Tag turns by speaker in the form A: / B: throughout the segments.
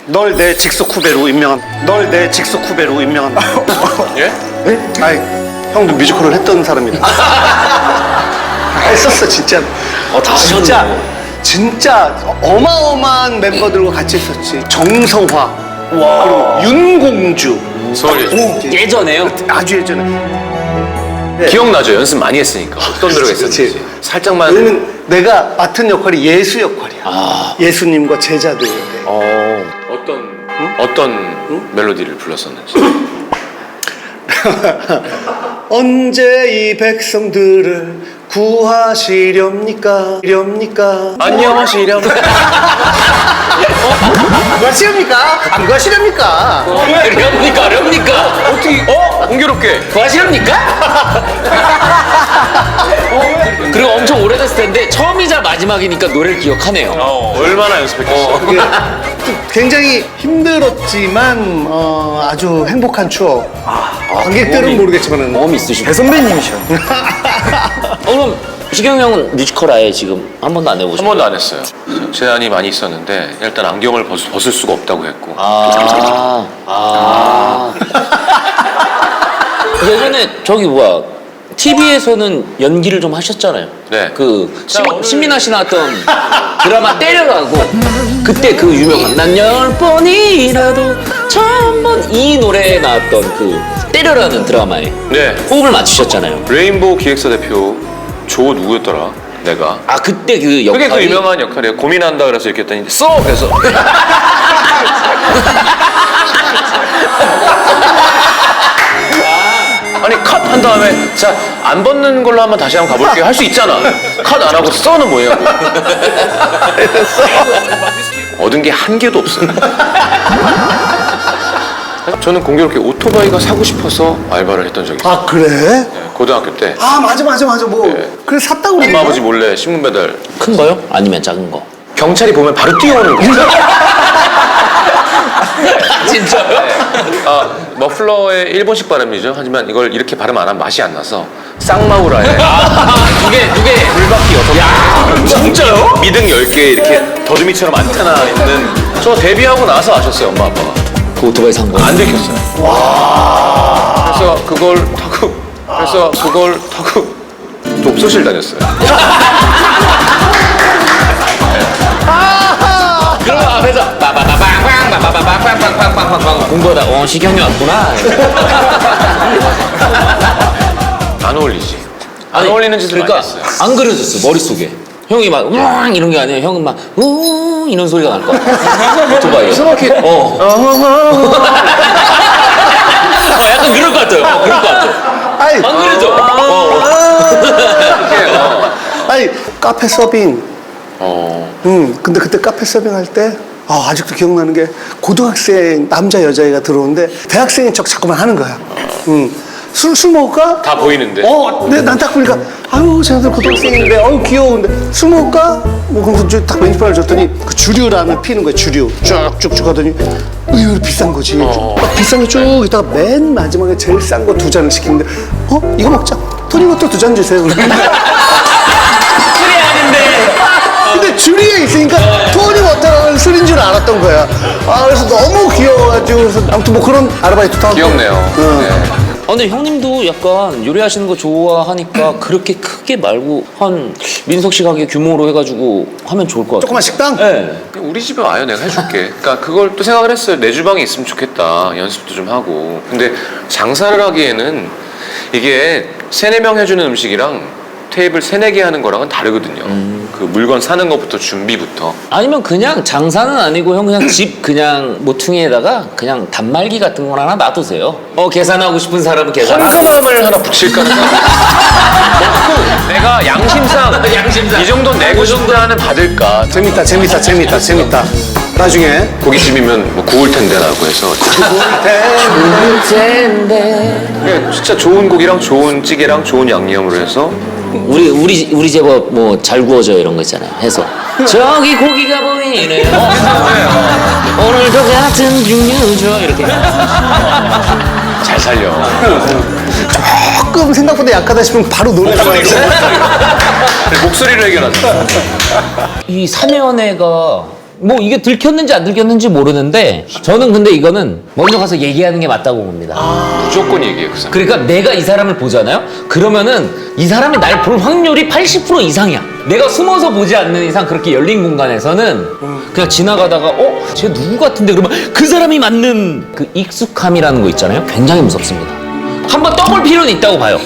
A: 널 내 직속 후배로 임명함. 널 내 직속 후배로 임명함.
B: 예?
A: 네? 아이, 형도 뮤지컬을 했던 사람이다. 했었어, 진짜.
B: 다
A: 진짜 어마어마한 멤버들과 같이 했었지. 정성화, 그리고 윤공주.
B: 서울 예전.
C: 예전에요?
A: 아주 예전에. 네.
B: 기억나죠? 연습 많이 했으니까 어떤 노래가 있었는지.
A: 그치.
B: 살짝만.
A: 왜냐면 내가 맡은 역할이 예수 역할이야. 예수님과 제자들.
B: 어떤 멜로디를 불렀었는지.
A: 언제 이 백성들을 구하시렵니까?
B: 안녕하시렴.
A: 구하시렵니까? 안 구하시렵니까?
C: 어렵니까?
B: 어떻게? 공교롭게.
C: 구하시렵니까? 그리고 엄청 오래됐을 텐데 처음이자 마지막이니까 노래를 기억하네요.
B: 얼마나 연습했겠어.
A: 그게 굉장히 힘들었지만 아주 행복한 추억. 관객들은 모르겠지만
C: 마음이 있으시고.
A: 대선배님이셔.
C: 그럼 시경 형은 뮤지컬 아예 지금 한 번도 안 해보셨어요?
B: 한 번도 안 했어요. 제안이 많이 있었는데 일단 안경을 벗을 수가 없다고 했고.
C: 예전에 저기 뭐야 TV에서는 연기를 좀 하셨잖아요.
B: 네.
C: 그 신민아 씨 나왔던 드라마 때려라고 그때 그 유명한 난 10번이라도 1000번 이 노래에 나왔던 그 때려라는 드라마에
B: 네.
C: 호흡을 맞추셨잖아요.
B: 레인보우 기획사 대표 조 누구였더라? 내가.
C: 아 그때 그
B: 그게 그
C: 역할이
B: 유명한 역할이에요. 고민한다 그래서 이렇게 했더니 써! 그래서 아니 컷 한 다음에 자 안 벗는 걸로 한번 다시 한번 가볼게요 할 수 있잖아. 컷 안 하고 써는 뭐냐고. 얻은 게 한 개도 없어요. 저는 공교롭게 오토바이가 사고 싶어서 알바를 했던 적이 있어요.
A: 아 그래?
B: 네, 고등학교 때
A: 아 맞아 뭐
B: 네.
A: 그래 샀다고 그러네.
B: 엄마 아버지 몰래 신문 배달.
C: 큰 거요? 아니면 작은 거?
B: 경찰이 보면 바로 뛰어오는 거예요.
C: 진짜요?
B: 머플러의 일본식 발음이죠. 하지만 이걸 이렇게 발음 안 하면 맛이 안 나서 쌍마우라에
C: 두개
B: 불바퀴 6개.
C: 야 진짜요?
B: 미등 10개 이렇게 더듬이처럼 안테나 있는. 저 데뷔하고 나서 아셨어요, 엄마 아빠가.
C: 그 오토바이 산 거.
B: 안 들켰어요. 그래서 그걸 타고 독서실 다녔어요.
C: 그럼 앞에서 빠바바방방방방방방방방방 공부하다 시경이 왔구나.
B: 안 어울리지. 안 어울리는 짓을
C: 그러니까
B: 많이 했어요.
C: 안 그려졌어 머릿속에. 형이 막 우웅 이런 게 아니라 형은 막 우웅 이런 소리가 날 거야. 오토바이.
B: 이렇게
C: 약간 그럴 것 같아요. 그럴 것 같아.
A: 아이,
C: 안 그려져.
A: 아니 카페 서빙. 근데 그때 카페 서빙 할 때 아직도 기억나는 게 고등학생 남자 여자애가 들어오는데 대학생인 척 자꾸만 하는 거야. 술 먹을까?
B: 다 보이는데.
A: 근데 난 딱 보니까 아유 쟤네들 고등학생인데 귀여운데 술 먹을까? 뭐 그래서 딱 메뉴판을 줬더니 그 주류라면 피는 거야. 주류 쭉쭉쭉 하더니 의외로 비싼 거지. 막 비싼 거 쭉 있다가 맨 마지막에 제일 싼 거 2잔을 시키는데 이거 먹자. 토니워터 2잔 주세요.
C: 술이 아닌데.
A: 근데 주류에 있으니까 토니워터는 술인 줄 알았던 거야. 그래서 너무 귀여워가지고 그래서 아무튼 뭐 그런 아르바이트도 하고.
B: 귀엽네요. 네.
C: 근데 형님도 약간 요리하시는 거 좋아하니까 그렇게 크게 말고 한 민석 씨 가게 규모로 해가지고 하면 좋을 것 같아요.
A: 조그만 식당?
C: 네.
B: 우리 집에 와요. 내가 해줄게. 그러니까 그걸 또 생각을 했어요. 내 주방에 있으면 좋겠다. 연습도 좀 하고. 근데 장사를 하기에는 이게 3-4명 해주는 음식이랑 테이블 3-4개 하는 거랑은 다르거든요. 그 물건 사는 것부터 준비부터.
C: 아니면 그냥 장사는 아니고 형 그냥 집 그냥 모퉁이에다가 그냥 단말기 같은 거 하나 놔두세요. 계산하고 싶은 사람은 계산하고.
B: 현금함을 하나 붙일까 하는 생각. 내가 양심상 이 정도 내고 싶다는 받을까.
A: 재밌다. 나중에
B: 고깃집이면 뭐 구울 텐데라고 해서 그냥 진짜 좋은 고기랑 좋은 찌개랑 좋은 양념으로 해서
C: 우리 제법 뭐 잘 구워져 이런 거 있잖아요. 해서 저기 고기가 보이네요. 오늘도 같은 종류죠 이렇게.
B: 잘 살려.
A: 조금 생각보다 약하다 싶으면 바로 노래 나와요.
B: 목소리로 해결하자.
C: 이 사내연애가 뭐 이게 들켰는지 안 들켰는지 모르는데 저는 근데 이거는 먼저 가서 얘기하는 게 맞다고 봅니다.
B: 무조건 얘기해 그 사람.
C: 그러니까 내가 이 사람을 보잖아요? 그러면은 이 사람이 날 볼 확률이 80% 이상이야. 내가 숨어서 보지 않는 이상 그렇게 열린 공간에서는 그냥 지나가다가 쟤 누구 같은데 그러면 그 사람이 맞는 그 익숙함이라는 거 있잖아요? 굉장히 무섭습니다. 한번 떠볼 필요는 있다고 봐요.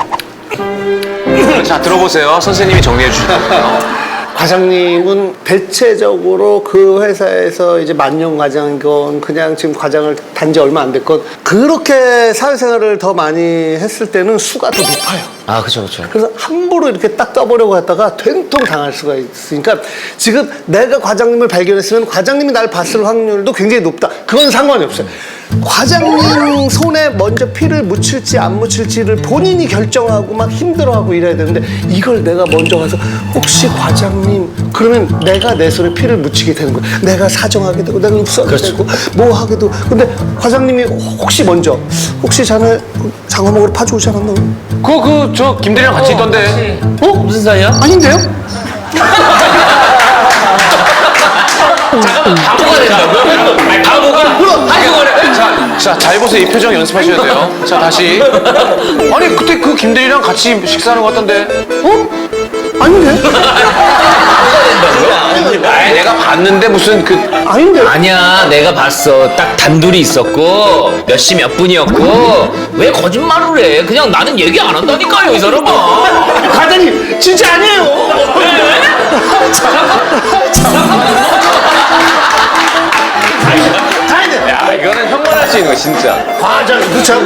B: 자 들어보세요. 선생님이 정리해 주실 거예요.
A: 과장님은 대체적으로 그 회사에서 이제 만년 과장이건 그냥 지금 과장을 단지 얼마 안 됐건 그렇게 사회생활을 더 많이 했을 때는 수가 더 높아요.
C: 아, 그쵸.
A: 그래서 함부로 이렇게 딱 떠보려고 했다가 된통 당할 수가 있으니까 지금 내가 과장님을 발견했으면 과장님이 날 봤을 확률도 굉장히 높다. 그건 상관이 없어요. 과장님 손에 먼저 피를 묻힐지 안 묻힐지를 본인이 결정하고 막 힘들어하고 이래야 되는데 이걸 내가 먼저 가서 혹시 과장님 그러면 내가 내 손에 피를 묻히게 되는 거야. 내가 사정하게 되고 내가 흡수하게 되고 뭐 하게 되고 근데 과장님이 혹시 먼저 혹시 자네 장어 먹으러 파주 오지 않았나?
B: 저 김대리랑 같이 있던데.
C: 무슨 사이야?
A: 아닌데요?
C: 바보가 된다고요? 아니, 바보가 한국어를
B: 자, 잘 보세요. 이 표정 연습하셔야 돼요. 자, 다시. 아니, 그때 그 김대리랑 같이 식사하는 것 같던데.
A: 아닌데?
B: 아니, 내가 봤는데 무슨 그.
A: 아닌데?
C: 아니야, 내가 봤어. 딱 단둘이 있었고 몇 시 몇 분이었고 왜 거짓말을 해? 그냥 나는 얘기 안 한다니까요, 이 사람아.
A: 과장님 진짜 아니에요.
B: 야, 이거는 형만 할 수 있는 거, 진짜.
A: 과장님 그렇죠?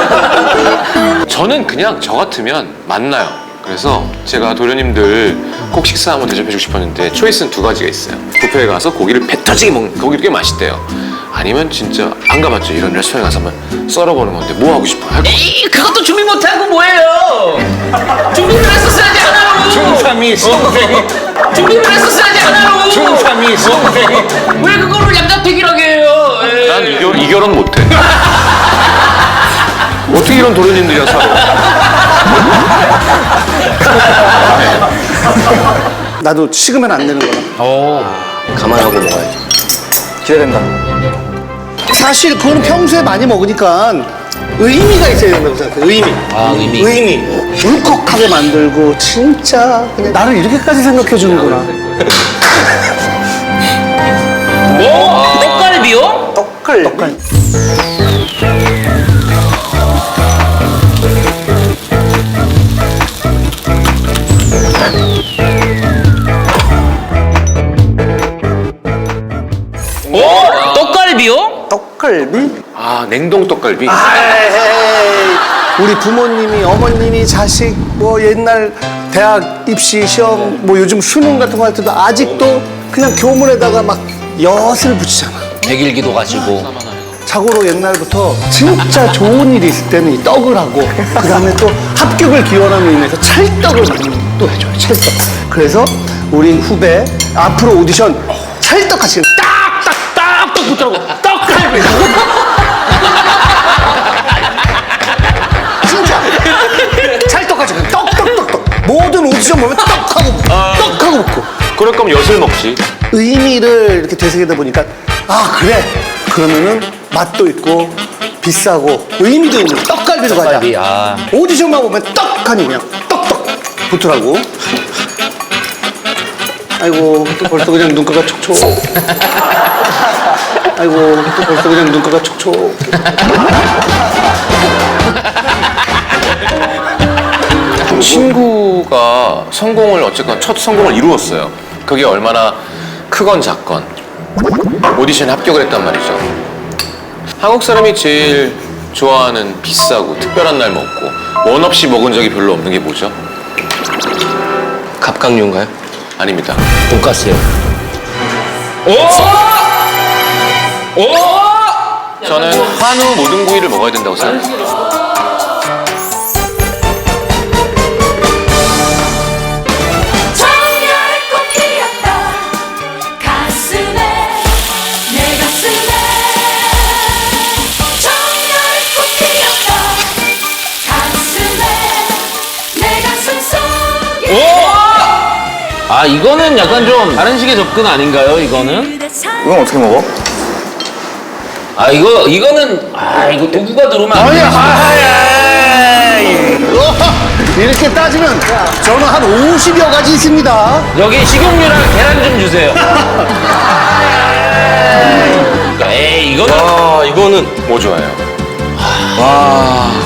B: 저는 그냥 저 같으면 만나요. 그래서 제가 도련님들 꼭 식사 한번 대접해주고 싶었는데 초이스는 두 가지가 있어요. 뷔페에 가서 고기를 배 터지게 먹는 고기를 꽤 맛있대요. 아니면 진짜 안 가봤죠. 이런 레스토랑에 가서 한번 썰어보는 건데 뭐 하고 싶어요? 할 거.
C: 에이, 그것도 준비 못하고 뭐예요? 준비를 했었어야지 하나로.
B: 중삼이 선생님.
C: 준비를 했었어야지 하나로.
B: 중삼이 선생님.
C: 왜 그거를 양자택일하게 해요? 에이.
B: 난 이 결혼 못해. 어떻게 이런 도련님들이랑 살아?
A: 나도 식으면 안 되는 거야.
C: 감안하고 먹어야지.
A: 기대된다. 사실 그거는 평소에 많이 먹으니까 의미가 있어야 된다고 생각해. 의미.
C: 아, 의미.
A: 울컥하게 만들고 진짜 그냥 나를 이렇게까지 생각해 주는구나.
C: 떡갈비요?
A: 떡갈.
C: 떡갈비요?
A: 떡갈비?
B: 아, 냉동 떡갈비?
A: 에이, 우리 부모님이 어머님이 자식 뭐 옛날 대학 입시 시험 뭐 요즘 수능 같은 거 할 때도 아직도 그냥 교문에다가 막 엿을 붙이잖아.
C: 백일기도 가지고.
A: 자고로 옛날부터 진짜 좋은 일이 있을 때는 이 떡을 하고 그 다음에 또 합격을 기원하는 의미에서 찰떡을 많이 또 해줘요. 찰떡. 그래서 우리 후배 앞으로 오디션 찰떡같이 딱딱 붙더라고. 떡갈비. 진짜 찰떡같이 그냥 떡떡떡떡. 모든 오디션 보면 떡하고 붙고.
B: 그럴 거면 엿을 먹지.
A: 의미를 이렇게 되새기다 보니까 아 그래 그러면은 맛도 있고 비싸고 의미도 있는 떡갈비로 가자.
C: 떡갈비, 아.
A: 오디션만 보면 떡하니 그냥 떡떡 붙더라고. 아이고 또 벌써 그냥 눈가가 촉촉. 아이고 또 벌써 그냥 눈가가 촉촉.
B: 친구가 성공을 어쨌건 첫 성공을 이루었어요. 그게 얼마나 크건 작건 오디션에 합격을 했단 말이죠. 한국 사람이 제일 좋아하는 비싸고 특별한 날 먹고 원 없이 먹은 적이 별로 없는 게 뭐죠?
C: 갑각류인가요?
B: 아닙니다.
C: 돈가스요.
B: 저는 한우 모든 구이를 먹어야 된다고 생각해요.
D: 청열꽃 피었다 가슴에 내 가슴에 청열꽃 피었다 가슴에 내 가슴 속에
C: 아, 이거는 약간 좀 다른 식의 접근 아닌가요, 이거는?
E: 이건 어떻게 먹어?
C: 아 이거는 이거 도구가 들어오면 안 돼.
A: 이렇게 따지면 저는 한 50여 가지 있습니다.
C: 여기 식용유랑 계란 좀 주세요. 에이 이거는
B: 뭐 좋아해요?